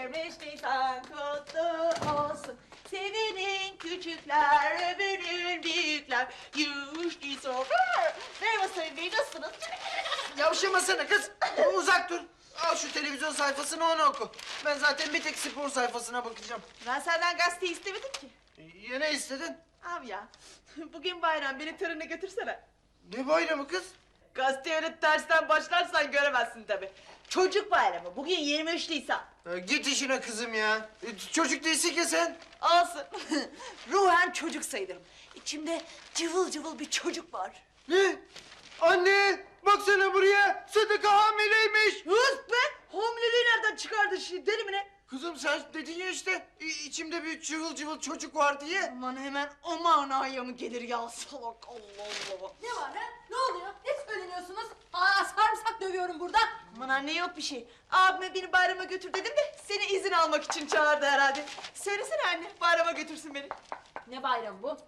23 Nisan kutlu olsun. Sevinin küçükler, övünün büyükler. 23 Nisan. Merhaba Sayın Bey, nasılsınız? Yavşamasana kız. Uzak dur. Al şu televizyon sayfasını onu oku. Ben zaten bir tek spor sayfasına bakacağım. Ben senden gazete istemedim ki. Ya ne istedin? Abi ya, bugün bayram, beni törene götürsene. Ne bayramı kız? Gazete öyle tersten başlarsan göremezsin tabii. Çocuk bayramı, bugün 23 Nisan. Git işine kızım ya. Çocuk değilsin ki sen. Olsun. Ruhen çocuk sayılırım. İçimde cıvıl cıvıl bir çocuk var. Ne? Anne! Baksana buraya. Sıdıka hamileymiş. Hız be! Hamileliği nereden çıkardı şimdi, deli mi ne? Kızım sen dedin ya işte. İçimde bir cıvıl cıvıl çocuk var diye. Aman hemen o manaya mı gelir ya salak, Allah Allah. Ne var ha? Ne oluyor? Ne söyleniyorsunuz? Aa, sarımsak dövüyorum burada. Aman anne, yok bir şey. Abime beni bayrama götür dedim de seni izin almak için çağırdı herhalde. Söylesene anne, bayrama götürsün beni. Ne bayramı bu?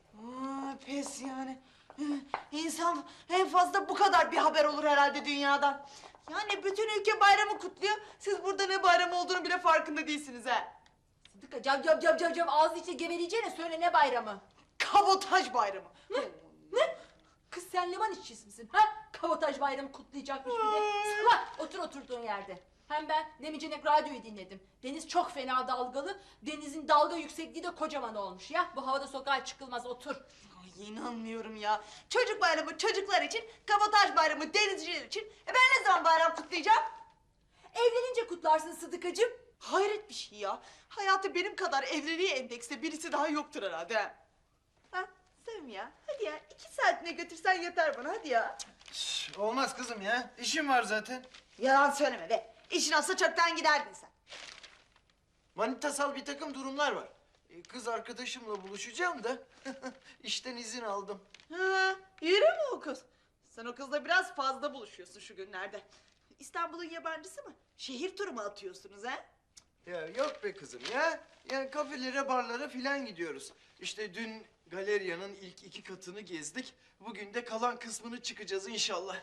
Pes yani. İnsan en fazla bu kadar bir haber olur herhalde dünyadan. Yani bütün ülke bayramı kutluyor. Siz burada ne bayram olduğunu bile farkında değilsiniz ha. Sıdıka cam ağzı içine geveleyeceğine söyle ne bayramı? Kabotaj bayramı. Ne? Kız sen liman işçisi misin ha? Kabotaj bayramı kutlayacakmış bir de. Salak, otur oturduğun yerde. Hem ben Nemicenek radyoyu dinledim. Deniz çok fena dalgalı. Denizin dalga yüksekliği de kocaman olmuş ya. Bu havada sokağa çıkılmaz, otur. Ay, inanmıyorum ya. Çocuk bayramı çocuklar için, kabotaj bayramı denizciler için. Ben ne zaman bayram kutlayacağım? Evlenince kutlarsın Sıdıkacığım. Hayret bir şey ya. Hayatı benim kadar evliliğe endekste birisi daha yoktur herhalde. Ha, Sevim ya. Hadi ya, 2 saatine götürsen yeter bana, hadi ya. Olmaz kızım ya. İşim var zaten. Yalan söyleme be. İşin olsa çoktan giderdin sen. Manitasal bir takım durumlar var. Kız arkadaşımla buluşacağım da işten izin aldım. Ha, yürü mü o kız? Sen o kızla biraz fazla buluşuyorsun şu günlerde. İstanbul'un yabancısı mı? Şehir turu mu atıyorsunuz ha? Ya yok be kızım ya. Yani kafelere, barlara filan gidiyoruz. İşte dün galeriyanın ilk 2 katını gezdik. Bugün de kalan kısmını çıkacağız inşallah.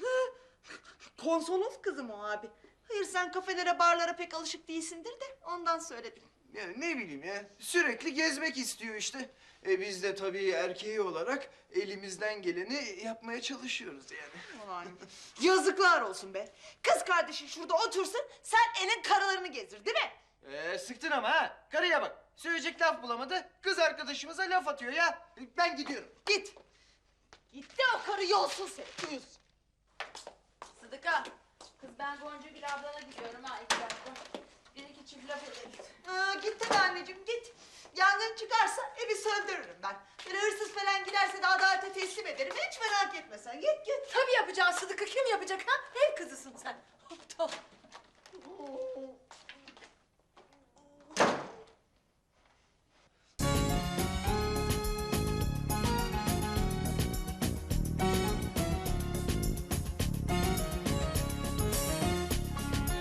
Konsolos kızım o abi. Hayır, sen kafelere, barlara pek alışık değilsindir de ondan söyledim. Ya ne bileyim ya. Sürekli gezmek istiyor işte. Biz de tabii erkeği olarak elimizden geleni yapmaya çalışıyoruz yani. Aman, yazıklar olsun be. Kız kardeşin şurada otursun, sen elin karılarını gezdir, değil mi? Sıktın ama ha. Karıya bak. Söyleyecek laf bulamadı. Kız arkadaşımıza laf atıyor ya. Ben gidiyorum. Git. Git de o karı yolsun seni. Uyuz. Sıdıka, kız ben Goncagül ablana gidiyorum ha 2 dakika. Bir iki çift laf ederiz. Git tabii anneciğim, git. Yangın çıkarsa evi söndürürüm ben. Böyle hırsız falan giderse de adalete teslim ederim. Hiç merak etme sen. Git git. Tabii yapacağız Sıdıka, kim yapacak ha? Ev kızısın sen. Aptal.